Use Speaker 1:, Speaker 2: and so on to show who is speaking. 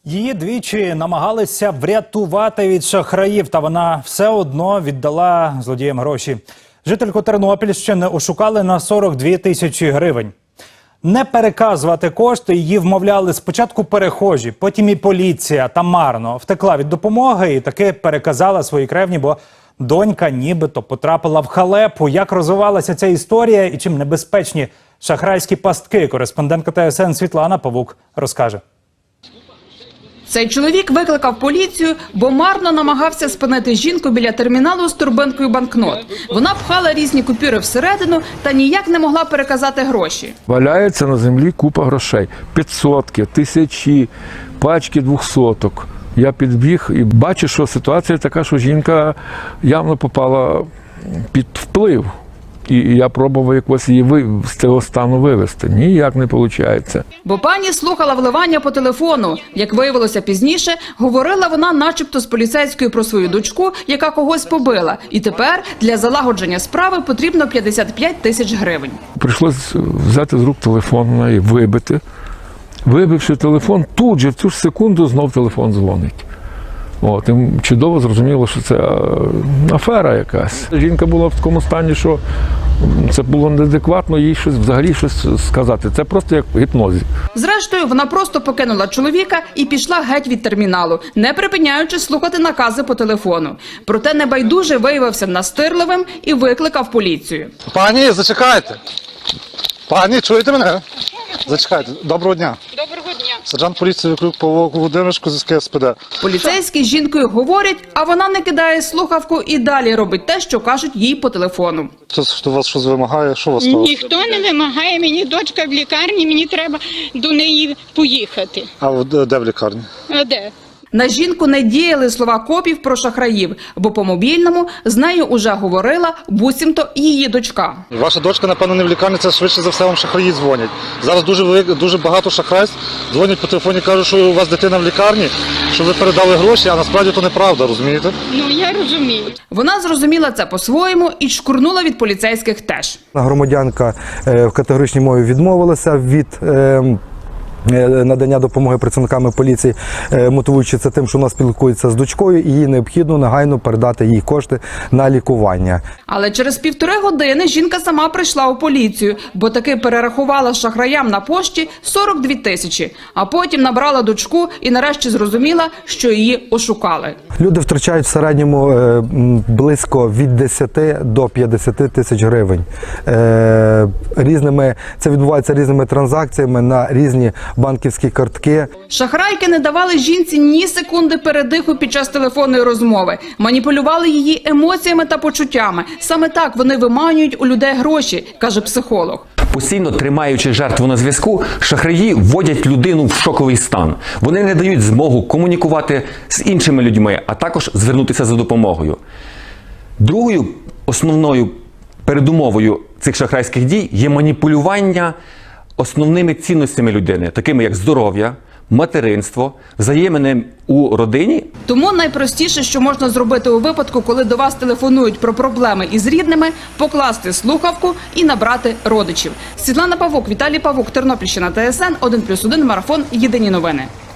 Speaker 1: Її двічі намагалися врятувати від шахраїв, та вона все одно віддала злодіям гроші. Жительку Тернопільщини ошукали на 42 тисячі гривень. Не переказувати кошти її вмовляли спочатку перехожі, потім і поліція, та марно. Втекла від допомоги і таки переказала свої кревні, бо донька нібито потрапила в халепу. Як розвивалася ця історія і чим небезпечні шахрайські пастки, кореспондентка ТСН Світлана Павук розкаже.
Speaker 2: Цей чоловік викликав поліцію, бо марно намагався спинити жінку біля терміналу з торбинкою банкнот. Вона пхала різні купюри всередину та ніяк не могла переказати гроші.
Speaker 3: Валяється на землі купа грошей. 500-ки, тисячі, пачки 200-ок. Я підбіг і бачу, що ситуація така, що жінка явно попала під вплив. І я пробував якось її з цього стану вивести. Ніяк не виходить.
Speaker 2: Бо пані слухала вливання по телефону. Як виявилося пізніше, говорила вона начебто з поліцейською про свою дочку, яка когось побила. І тепер для залагодження справи потрібно 55 тисяч гривень.
Speaker 3: Прийшлось взяти з рук телефон і вибити. Вибивши телефон, тут же в цю ж секунду знов телефон дзвонить. От, і чудово зрозуміло, що це афера якась. Жінка була в такому стані, що це було неадекватно їй взагалі щось сказати. Це просто як в гіпнозі.
Speaker 2: Зрештою, вона просто покинула чоловіка і пішла геть від терміналу, не припиняючи слухати накази по телефону. Проте небайдуже виявився настирливим і викликав поліцію.
Speaker 4: Пані, зачекайте. Пані, чуєте мене? Зачекайте. Доброго дня. Доброго дня. Сержант поліції Викрук Павло Володимирович з СПД.
Speaker 2: Поліцейські з жінкою говорять, а вона не кидає слухавку і далі робить те, що кажуть їй по телефону.
Speaker 4: Хто вас щось вимагає? Що вас сталося?
Speaker 5: Ніхто не вимагає, мені дочка в лікарні, мені треба до неї поїхати.
Speaker 4: А де в лікарні?
Speaker 5: А де?
Speaker 2: На жінку не діяли слова копів про шахраїв, бо по мобільному з нею уже говорила буцімто її дочка.
Speaker 4: Ваша дочка, напевно, не в лікарні, це швидше за все вам шахраї дзвонять. Зараз дуже багато шахрайств дзвонять по телефоні, кажуть, що у вас дитина в лікарні, що ви передали гроші, а насправді то неправда, розумієте?
Speaker 5: Ну, я розумію.
Speaker 2: Вона зрозуміла це по-своєму і шкурнула від поліцейських теж.
Speaker 6: Громадянка в категоричній мові відмовилася від надання допомоги працівниками поліції, мотивуючи це тим, що вона спілкується з дочкою і їй необхідно негайно передати їй кошти на лікування.
Speaker 2: Але через 1,5 години жінка сама прийшла у поліцію, бо таки перерахувала шахраям на пошті 42 тисячі, а потім набрала дочку і нарешті зрозуміла, що її ошукали.
Speaker 6: Люди втрачають в середньому близько від 10 до 50 тисяч гривень. Це відбувається різними транзакціями на різні банківські картки.
Speaker 2: Шахрайки не давали жінці ні секунди передиху під час телефонної розмови. Маніпулювали її емоціями та почуттями. Саме так вони виманюють у людей гроші, каже психолог.
Speaker 7: Постійно тримаючи жертву на зв'язку, шахраї вводять людину в шоковий стан. Вони не дають змогу комунікувати з іншими людьми, а також звернутися за допомогою. Другою основною передумовою цих шахрайських дій є маніпулювання основними цінностями людини, такими як здоров'я, материнство, взаємини у родині.
Speaker 2: Тому найпростіше, що можна зробити у випадку, коли до вас телефонують про проблеми із рідними, покласти слухавку і набрати родичів. Світлана Павук, Віталій Павук, Тернопільщина, ТСН, 1+1, марафон, єдині новини.